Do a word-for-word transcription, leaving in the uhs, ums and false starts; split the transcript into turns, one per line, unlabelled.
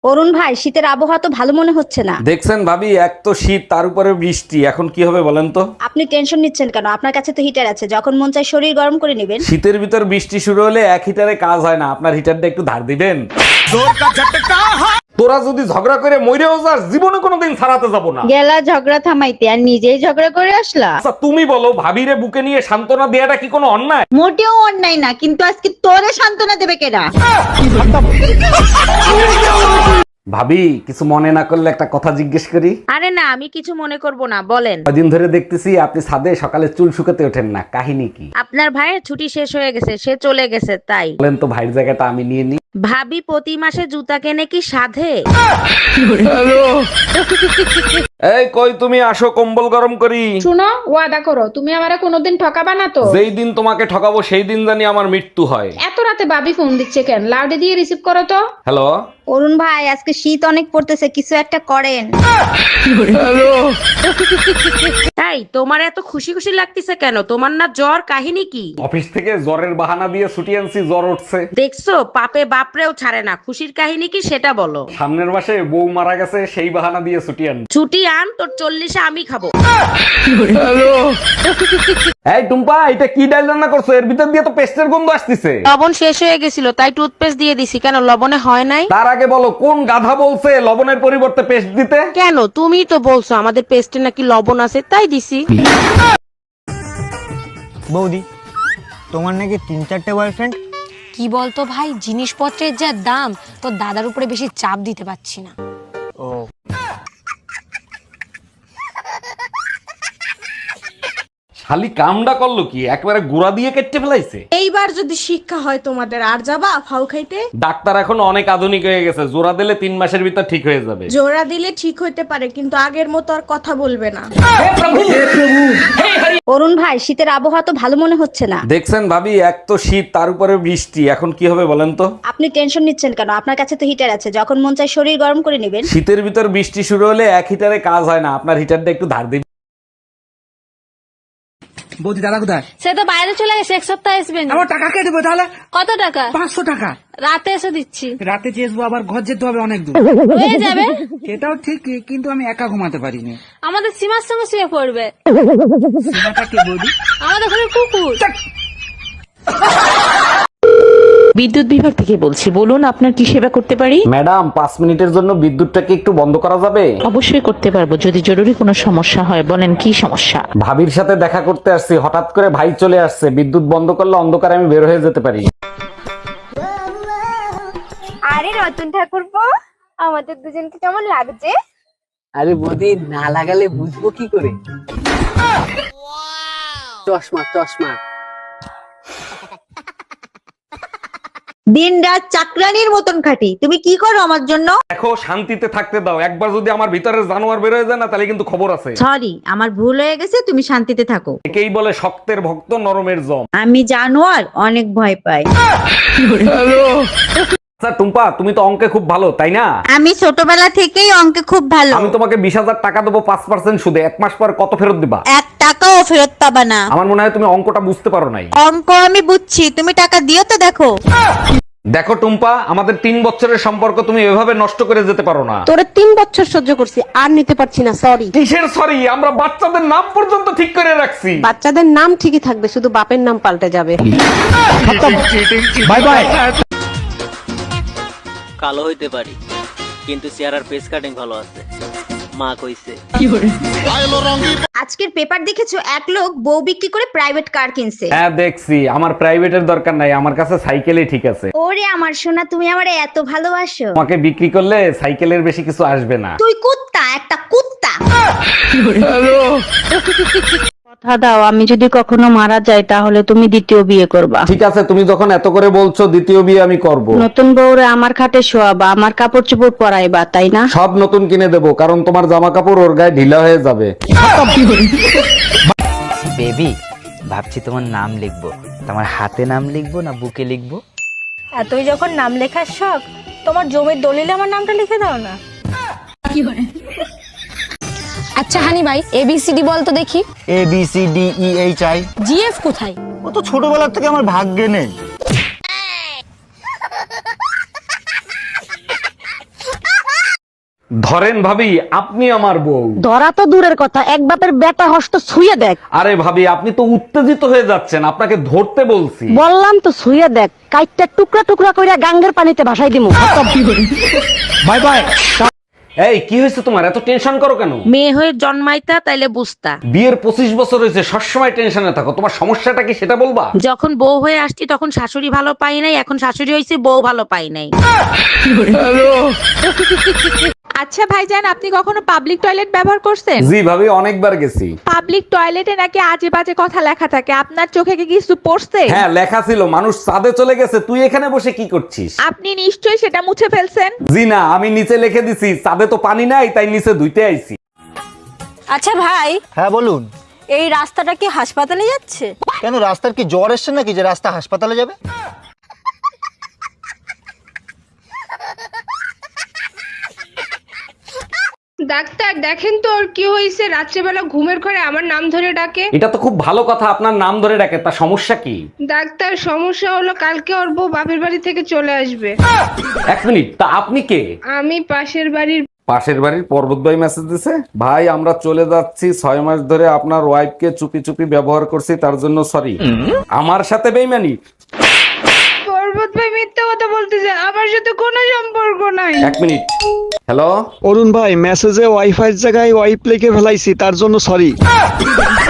অরুণ ভাই, শীতের আবহাওয়া তো ভালো মনে হচ্ছে না।
দেখছেন ভাবি, এক তো শীত তার উপরে বৃষ্টি, এখন কি হবে বলেন তো?
আপনি টেনশন নিচ্ছেন কেন? আপনার কাছে তো হিটার আছে, যখন মন চায় শরীর গরম করে নেবেন।
শীতের ভিতর বৃষ্টি শুরু হলে এক হিটারে কাজ হয় না, আপনার হিটারটা একটু ধার দিবেন। তোরা যদি ঝগড়া করে মইরেও যাস, জীবনে কোনোদিন ছাড়াতে যাব না।
গেলা ঝগড়া থামাইতে আর নিজেই ঝগড়া করে আসলা।
আচ্ছা তুমি বলো, ভাবিরে বুকে নিয়ে সান্ত্বনা দেয়াটা কি কোনো অন্যায়?
মোটেও অন্যায় না, কিন্তু আজকে তোরে সান্ত্বনা দেবে কেডা?
ভাবি, কিছু মনে না করলে একটা কথা জিজ্ঞেস করি।
আরে না, আমি কিছু মনে করব না, বলেন।
কদিন ধরে দেখতেছি আপনি ছাদে সকালে চুল শুকাতে ওঠেন না, কাহিনী কি?
আপনার ভাইয়ের ছুটি শেষ হয়ে গেছে, সে চলে গেছে তাই।
বলেন তো, ভাইয়ের জায়গাটা আমি নিয়ে নিই।
ভাবি প্রতি মাসে জুতা কেনে কি সাধে?
এই কই তুমি, আসো কম্বল গরম করি।
শুনো, ওয়াদা করো তুমি আমারে কোনোদিন ঠকাবা না তো।
যেই দিন তোমাকে ঠকাবো সেই দিন জানি আমার মৃত্যু হয়।
এত রাতে ভাবি ফোন দিচ্ছে কেন? লাউডে দিয়ে রিসিভ করো তো।
হ্যালো।
অরুণ ভাই, আজকে শীত অনেক পড়তেছে, কিছু একটা করেন।
তাই তোমার এত খুশি খুশি লাগতেছে কেন? তোমার না জ্বর, কাহিনী কি?
অফিস থেকে জ্বরের বাহানা দিয়ে ছুটি আনছি, জ্বর উঠছে।
দেখছো, পাপে বাপরেও ছাড়ে না। খুশির কাহিনী কি সেটা বলো।
সামনের মাসে বউ মারা গেছে, সেই বাহানা দিয়ে ছুটি আন।
ছুটি আন, তোর চল্লিশে আমি খাবো।
এই টুম্পা, এটা কি ডাল রান্না করছো? এর ভিতর দিয়ে তো পেস্টের গন্ধ আসতেছে।
লবণ শেষ হয়ে গেছিল তাই টুথপেস্ট দিয়ে দিছি। কেন, লবণে হয় নাই?
তার আগে বলো, কোন গাধা বলছে লবণের পরিবর্তে পেস্ট দিতে?
কেন, তুমি তো বলছো আমাদের পেস্টে নাকি লবণ আছে, তাই দিছি।
বৌদি, তোমার নাকি তিন চারটে বয়ফ্রেন্ড?
কি বলতো ভাই, জিনিসপত্রের যা দাম, তোর দাদার উপরে বেশি চাপ দিতে পারছি না।
ও,
শালি কামডা করলো কি, একবারে গুড়া দিয়ে কেটে ফেলাইছে।
এইবার যদি শিক্ষা হয় তোমাদের, আর যাবা ফাউ খাইতে?
ডাক্তার এখন অনেক আধুনিক হয়ে গেছে, জোড়া দিলে তিন মাসের ভিতর ঠিক হয়ে যাবে।
জোড়া দিলে ঠিক হইতে পারে, কিন্তু আগের মতো আর কথা বলবে না।
অরুণ ভাই, শীতের আবহাওয়া তো ভালো মনে হচ্ছে না।
দেখছেন ভাবি, এক তো শীত তার উপরে বৃষ্টি, এখন কি হবে বলেন তো?
আপনি টেনশন নিচ্ছেন কেন? আপনার কাছে তো হিটার আছে, যখন মন চায় শরীর গরম করে নেবেন।
শীতের ভিতর বৃষ্টি শুরু হলে এক হিটারে কাজ হয় না, আপনার হিটারটা একটু ধার দিন।
বৌদি দাদা কোথায়?
সে তো বাইরে চলে গেছে, এক সপ্তাহ আসবে না।
আমার টাকা কে দেবো তাহলে?
কত টাকা?
পাঁচশো টাকা।
রাতে এসে দিচ্ছি।
রাতে চেয়েছবো, আবার ঘর যেতে হবে অনেক দূর।
হয়ে যাবে।
এটাও ঠিক, কিন্তু আমি একা ঘুমাতে পারিনি।
আমাদের সীমার সঙ্গে শুয়ে পড়বে।
সীমাটা কে বৌদি?
আমাদের ঘরে কুকুর।
বিদ্যুৎ বিভাগ থেকে বলছি, বলুন আপনার কি সেবা করতে পারি?
ম্যাডাম, পাঁচ মিনিটের জন্য বিদ্যুৎটাকে একটু বন্ধ করা যাবে?
অবশ্যই করতে পারবো, যদি জরুরি কোনো সমস্যা হয়। বলেন কি সমস্যা?
ভাবির সাথে দেখা করতে আসছি, হঠাৎ করে ভাই চলে আসছে, বিদ্যুৎ বন্ধ করলে অন্ধকারে আমি বের হয়ে যেতে পারি।
আরে রতন ঠাকুরপো, আমাদের দুজনকে কেমন লাগছে?
আরে বৌদি, না লাগালে বুঝবো কি করে? চশমা চশমা।
দিন রাত চাকরানির মতন খাটি, তুমি কি করো আমার জন্য?
দেখো, শান্তিতে থাকতে দাও। একবার যদি আমার ভিতরে জানোয়ার বের হয়ে যায় না, তাহলে কিন্তু খবর আছে।
সরি, আমার ভুল হয়ে গেছে, তুমি শান্তিতে থাকো।
একেই বলে শক্তের ভক্ত, নরমের জম।
আমি জানোয়ার অনেক ভয় পাই।
আচ্ছা টুম্পা, তুমি তো অঙ্কে খুব ভালো, তাই না?
আমি ছোটবেলা থেকেই অঙ্কে খুব ভালো।
আমি তোমাকে বিশ হাজার টাকা দেবো পাঁচ পার্সেন্ট সুদে, এক মাস পর কত ফেরত দিবা?
এক টাকাও ফেরত পাবা না।
আমার মনে হয় তুমি অঙ্কটা বুঝতে পারো নাই।
অঙ্ক আমি বুঝছি, তুমি টাকা দিও তো। দেখো
দেখো টুম্পা, আমাদের তিন বছরের সম্পর্ক তুমি এভাবে নষ্ট করে যেতে পারো না।
তোরে তিন বছর সহ্য করছি, আর নিতে পারছি না, সরি।
কিসের সরি? আমরা বাচ্চাদের নাম পর্যন্ত ঠিক করে রাখছি।
বাচ্চাদের নাম ঠিকই থাকবে, শুধু বাপের নাম পাল্টে যাবে।
Bye bye.
কালো হইতে পারি, কিন্তু চেহারার পেস কাটিং ভালো আছে, মা কইছে।
আজকের পেপার দেখেছো, এক লোক বউ বিক্রি করে প্রাইভেট কার কিনছে।
হ্যাঁ দেখছি, আমার প্রাইভেটের দরকার নাই, আমার কাছে সাইকেলই ঠিক আছে।
ওরে আমার সোনা, তুমি আমারে এত ভালোবাসো।
তোমাকে বিক্রি করলে সাইকেলের বেশি কিছু আসবে না।
তুই কুত্তা, একটা কুত্তা।
কথা দাও, আমি যদি কখনো মারা যাই তাহলে তুমি দ্বিতীয় বিয়ে করবা।
ঠিক আছে, তুমি যখন এত করে বলছো, দ্বিতীয় বিয়ে আমি করব।
নতুন বউরে আমার খাটে শোয়াবা, আমার কাপড় চোপড় পরাইবা, তাই না?
সব নতুন কিনে দেবো, কারণ তোমার জামা কাপড় ওর গায়ে ঢিলা হয়ে যাবে।
বেবি, ভাবছি তোমার নাম লিখবো। তোমার হাতে নাম লিখবো না বুকে লিখবো?
এতই যখন নাম লেখার শখ, তোমার জমির দলিলে আমার নামটা লিখে দাও না। আচ্ছা হানি ভাই, এবিসিডি বল তো দেখি।
A B C D E H I.
GF কোথায়?
ও তো ছোটবেলা থেকে আমার ভাগ্যে নেই।
ধরেন ভাবি, আপনি আমার বউ।
ধরা তো দূরের কথা, এক বাপের বেটা হস্ত ছুঁয়ে দেখ।
আরে ভাবি, আপনি তো উত্তেজিত হয়ে যাচ্ছেন, আপনাকে ধরতে বলছি।
বললাম তো ছুঁয়ে দেখ, কাইটটা টুকরা টুকরা কইরা গাঙ্গের পানিতে ভাসাই দিমু।
Bye bye. এই কি হয়েছে তোমার, এত টেনশন করো কেন?
মেয়ে হয়ে জন্মাইতা তাইলে বুঝতা।
বিয়ের পঁচিশ বছর হয়েছে, সবসময় টেনশনে থাকো, তোমার সমস্যাটা কি সেটা বলবা?
যখন বউ হয়ে আসছি তখন শাশুড়ি ভালো পাই নাই, এখন শাশুড়ি হয়েছে বউ ভালো পাই নাই।
আচ্ছা ভাইজান, আপনি কখনো পাবলিক টয়লেট ব্যবহার করছেন?
জি ভাবি, অনেকবার গেছি।
পাবলিক টয়লেটে নাকি আজে বাজে কথা লেখা থাকে, আপনার চোখে কি কিছু পড়ছে?
হ্যাঁ, লেখা ছিল মানুষ চাঁদে চলে গেছে, তুই এখানে বসে কি করছিস?
আপনি নিশ্চয়ই সেটা মুছে ফেলছেন।
জি না, আমি নিচে লিখে দিছি চাঁদে তো পানি নাই, তাই নিচে ধুইতে আইছি।
আচ্ছা ভাই,
হ্যাঁ বলুন।
এই রাস্তাটা কি হাসপাতালে যাচ্ছে?
কেন, রাস্তার কি জ্বর এসছে নাকি যে রাস্তা হাসপাতালে যাবে?
ডাক্তার দেখেন তো ওর কি হয়েছে, রাত্রেবেলা ঘুমের ঘরে আমার নাম ধরে ডাকে।
এটা তো খুব ভালো কথা, আপনার নাম ধরে ডাকে, তা সমস্যা কি?
ডাক্তার সমস্যা হলো কালকে ওর বউ বাপের বাড়ি থেকে চলে আসবে।
এক মিনিট, তা আপনি কে?
আমি পাশের বাড়ির।
পাশের বাড়ির পর্বত ভাই মেসেজ দিছে, ভাই আমরা চলে যাচ্ছি, ছয় মাস ধরে আপনার ওয়াইফকে চুপি চুপি ব্যবহার করছি, তার জন্য সরি। আমার সাথে বেইমানি?
পর্বত ভাই মিথ্যা কথা বলতেছে, আমার সাথে কোনো সম্পর্ক নাই।
এক মিনিট, হ্যালো
অরুণ ভাই, মেসেজে ওয়াইফাই জায়গায় ওয়াইপ লিখে ফেলাইছি, তার জন্য সরি।